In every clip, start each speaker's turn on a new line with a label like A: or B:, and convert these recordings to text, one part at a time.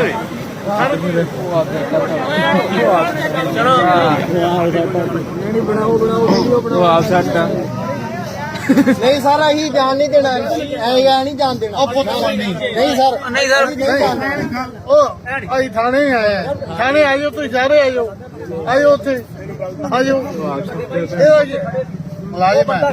A: नहीं सर अही जान नहीं देना नहीं जान देना नहीं सर
B: ਅਸੀਂ ਥਾਣੇ ਆਏ ਆ ਥਾਣੇ ਆਇਓ ਤੁਸੀਂ ਸਾਰੇ ਆਇਓ ਆਇਓ ਉੱਥੇ ਆਇਓ ਮੁਲਾਜ਼ਮ ਹੈ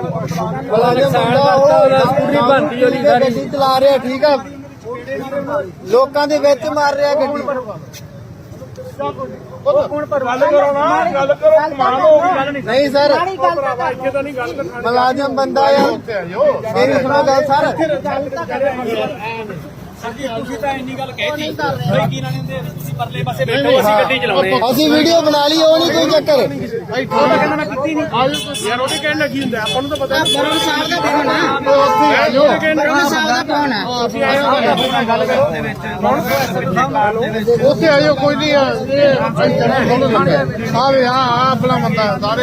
A: ਗੱਡੀ ਚਲਾ ਰਿਹਾ ਠੀਕ ਆ ਲੋਕਾਂ ਦੇ ਵਿੱਚ ਮਾਰ ਰਿਹਾ ਗੱਡੀ नहीं सर मुलाजिम बंदा है मेरी सुनो गल सर ਅਸੀਂ ਵੀਡੀਓ ਬਣਾ ਲਈ ਉਹ ਨਹੀਂ ਕੋਈ ਚੱਕਰ
B: ਉੱਥੇ ਆਇਓ ਕੋਈ ਨਹੀਂ ਆਪਣਾ ਬੰਦਾ ਸਾਰੇ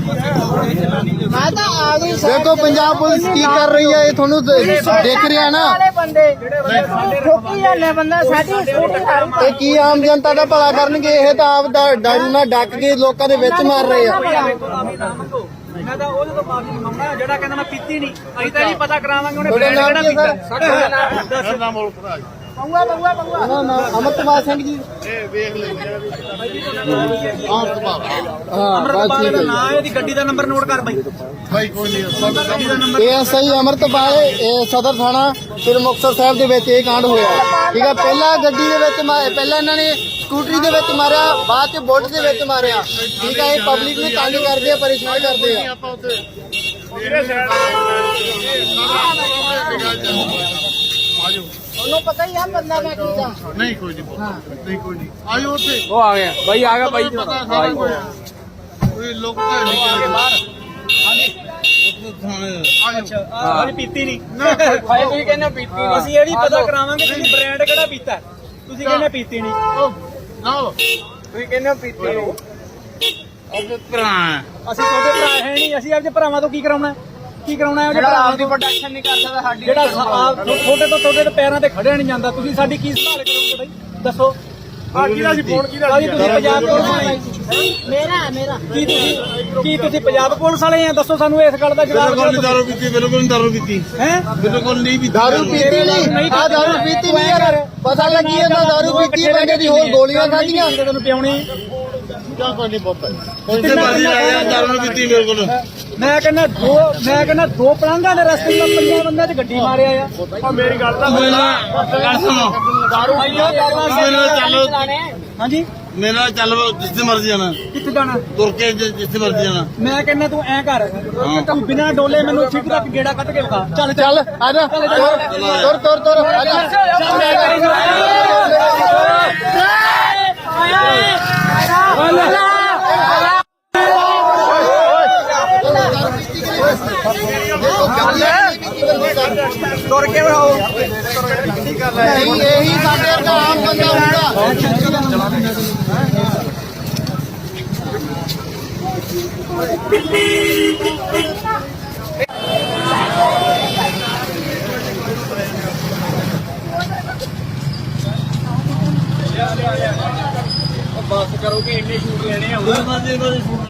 A: देखो पंजाब पुलिस की कर रही है ये थोनू देख रहा है ना ਇਹ ਕੀ ਆਮ ਜਨਤਾ ਦਾ ਭਲਾ ਕਰਨਗੇ ਇਹ ਤਾਂ ਆਪ ਡਰ ਨਾਲ ਡੱਕ ਕੇ ਲੋਕਾਂ ਦੇ ਵਿੱਚ ਮਾਰ ਰਹੇ ਆ
C: ਮੈਂ ਤਾਂ ਉਹਦੇ ਤੋਂ ਮਾਫੀ ਮੰਗਦਾ ਜਿਹੜਾ ਕਹਿੰਦਾ ਮੈਂ ਪੀਤੀ ਨਹੀਂ ਅਸੀਂ ਤਾਂ ਨਹੀਂ ਪਤਾ ਕਰਾਵਾਂਗੇ ਉਹਨੇ ਬ੍ਰਾਂਡ ਕਿਹੜਾ ਪੀਤਾ
A: ਅਮਰਤਪਾਲ ਸਿੰਘ ਜੀ
B: ਵੇਖ ਲੈ
C: ਅਮਰਤਪਾਲ ਦਾ ਨਾਂ ਇਹਦੀ ਗੱਡੀ ਦਾ ਨੰਬਰ ਨੋਟ ਕਰ ਬਾਈ
B: ਭਾਈ ਕੋਈ ਨਹੀਂ
A: ASI ਅਮਰਤਪਾਲ ਸਦਰ ਥਾਣਾ ਸ੍ਰੀ ਮੁਕਤਸਰ ਸਾਹਿਬ ਦੇ ਵਿੱਚ ਇਹ ਕਾਂਡ ਹੋਇਆ ਠੀਕ ਆ ਪਹਿਲਾਂ ਗੱਡੀ ਦੇ ਵਿੱਚ ਪਹਿਲਾਂ ਇਹਨਾਂ ਨੇ ਸਕੂਟਰੀ ਦੇ ਵਿੱਚ ਮਾਰਿਆ ਬਾਅਦ ਚ ਬੁੱਟ ਦੇ ਵਿੱਚ ਮਾਰਿਆ ਠੀਕ ਆ ਇਹ ਪਬਲਿਕ ਨੂੰ ਤੰਗ ਕਰਦੇ ਆ ਪਰੇਸ਼ਾਨ ਕਰਦੇ ਆ ਉਹਨੂੰ ਪਤਾ ਹੀ ਆ ਬੰਦਾ ਮੈਂ ਕੀਤਾ
B: ਨਹੀਂ ਕੋਈ ਨਹੀਂ ਨਹੀਂ ਕੋਈ ਨਹੀਂ ਆਇਓ ਉੱਥੇ
C: ਉਹ ਆ ਗਿਆ ਬਾਈ ਆ ਗਿਆ ਬਾਈ
B: ਕੋਈ ਲੋਕ ਤਾਂ ਨਹੀਂ ਬਾਹਰ
C: ਅਸੀਂ ਪੀਤੀ ਨਹੀਂ ਹਾਏ ਤੁਸੀਂ ਕਹਿੰਦੇ ਪੀਤੀ ਨਹੀਂ ਅਸੀਂ ਇਹ ਨਹੀਂ ਪਤਾ ਕਰਾਵਾਂਗੇ ਤੁਸੀਂ ਬ੍ਰਾਂਡ ਕਿਹੜਾ ਪੀਤਾ ਤੁਸੀਂ ਕਹਿੰਦੇ ਪੀਤੀ ਨਹੀਂ ਤੁਸੀਂ ਕਹਿੰਦੇ ਪੀਤੀ ਨਹੀਂ
B: ਆਪਣੇ ਭਰਾ
C: ਅਸੀਂ ਤੁਹਾਡੇ ਭਰਾ ਹੈ ਨਹੀਂ ਅਸੀਂ ਆਪਦੇ ਭਰਾਵਾਂ ਤੋਂ ਕੀ ਕਰਾਉਣਾ ਕੀ ਕਰਾਉਣਾ ਹੈ ਜਿਹੜਾ ਆਪਦੀ ਪ੍ਰੋਟੈਕਸ਼ਨ ਨਹੀਂ ਕਰ ਸਕਦਾ ਸਾਡੀ ਜਿਹੜਾ ਤੁਹਾਡੇ ਤੇ ਪੈਰਾਂ ਤੇ ਖੜਿਆ ਨਹੀਂ ਜਾਂਦਾ ਤੁਸੀਂ ਸਾਡੀ ਕੀ ਸੰਭਾਲ ਕਰੋਗੇ ਬਾਈ ਦੱਸੋ ਕਿਹਦਾ ਸੀ ਫੋਨ ਕਿਹਦਾ ਤੁਸੀਂ ਪੰਜਾਬ ਪੁਲਿਸ ਵਾਲੇ
A: ਮੇਰਾ
C: ਕੀ ਤੁਸੀਂ ਪੰਜਾਬ ਪੁਲਿਸ ਵਾਲੇ ਆ ਦੱਸੋ ਸਾਨੂੰ ਇਸ ਗੱਲ ਦਾ ਜਵਾਬ ਦਿਓ
B: ਦਾਰੂ ਪੀਤੀ ਬਿਲਕੁਲ ਦਾਰੂ ਪੀਤੀ
C: ਹੈ
B: ਬਿਲਕੁਲ ਨਹੀਂ ਪੀਤੀ
A: ਦਾਰੂ ਪੀਤੀ ਨਹੀਂ ਆ ਦਾਰੂ ਪੀਤੀ ਨਹੀਂ ਯਾਰ ਪਤਾ ਲੱਗੀ ਇਹਦਾ ਦਾਰੂ ਪੀਤੀ ਬੰਦੇ ਦੀ ਹੋਰ ਗੋਲੀਆਂ ਖਾਧੀਆਂ
C: ਤੈਨੂੰ ਪਿਆਉਣੀ
B: ਕਿਆ ਕੋਈ ਨਹੀਂ ਪਤਾ ਕੋਈ ਤੇ ਬਾਜੀ ਆ ਗਿਆ ਦਾਰੂ ਪੀਤੀ ਮੇਰੇ ਕੋਲ
C: ਮੈਂ ਕਹਿੰਦਾ ਦੋ ਪਲੰਘਾਂ ਦੇ ਰਸਤੇ ਤੋਂ ਪੰਜਾਂ ਬੰਦਿਆਂ 'ਚ ਗੱਡੀ ਮਾਰਿਆ ਆ ਮੇਰੀ ਗੱਲ ਤਾਂ
B: ਗੱਲ ਸੁਣੋ
C: ਦਾਰੂ
B: ਚੱਲੋ
C: ਹਾਂਜੀ
B: ਮੇਰੇ ਨਾਲ ਚੱਲ ਜਿੱਥੇ ਮਰਜ਼ੀ ਜਾਣਾ
C: ਕਿੱਥੇ ਜਾਣਾ
B: ਤੁਰ ਕੇ ਜਿੱਥੇ ਮਰਜ਼ੀ ਜਾਣਾ
C: ਮੈਂ ਕਹਿੰਦਾ ਤੂੰ ਐ ਕਰ ਤੂੰ ਬਿਨਾਂ ਡੋਲੇ ਮੈਨੂੰ ਛਿੱਕ ਤੱਕ ਗੇੜਾ ਕੱਢ ਕੇ ਵਿਖਾ ਚੱਲ
A: ਚੱਲ ਆ ਜਾ ਤੁਰ ਆ ਜਾ
C: ਤੁਰ ਕੇ ਵਿਖਾਓ
A: ਇਹੀ ਸਾਡੇ ਵਰਗਾ ਆਮ ਬੰਦਾ ਹੁੰਦਾ
C: ਬਸ ਕਰੋ ਕਿ ਇੰਨੇ ਸ਼ੂਟ ਲੈਣੇ ਆ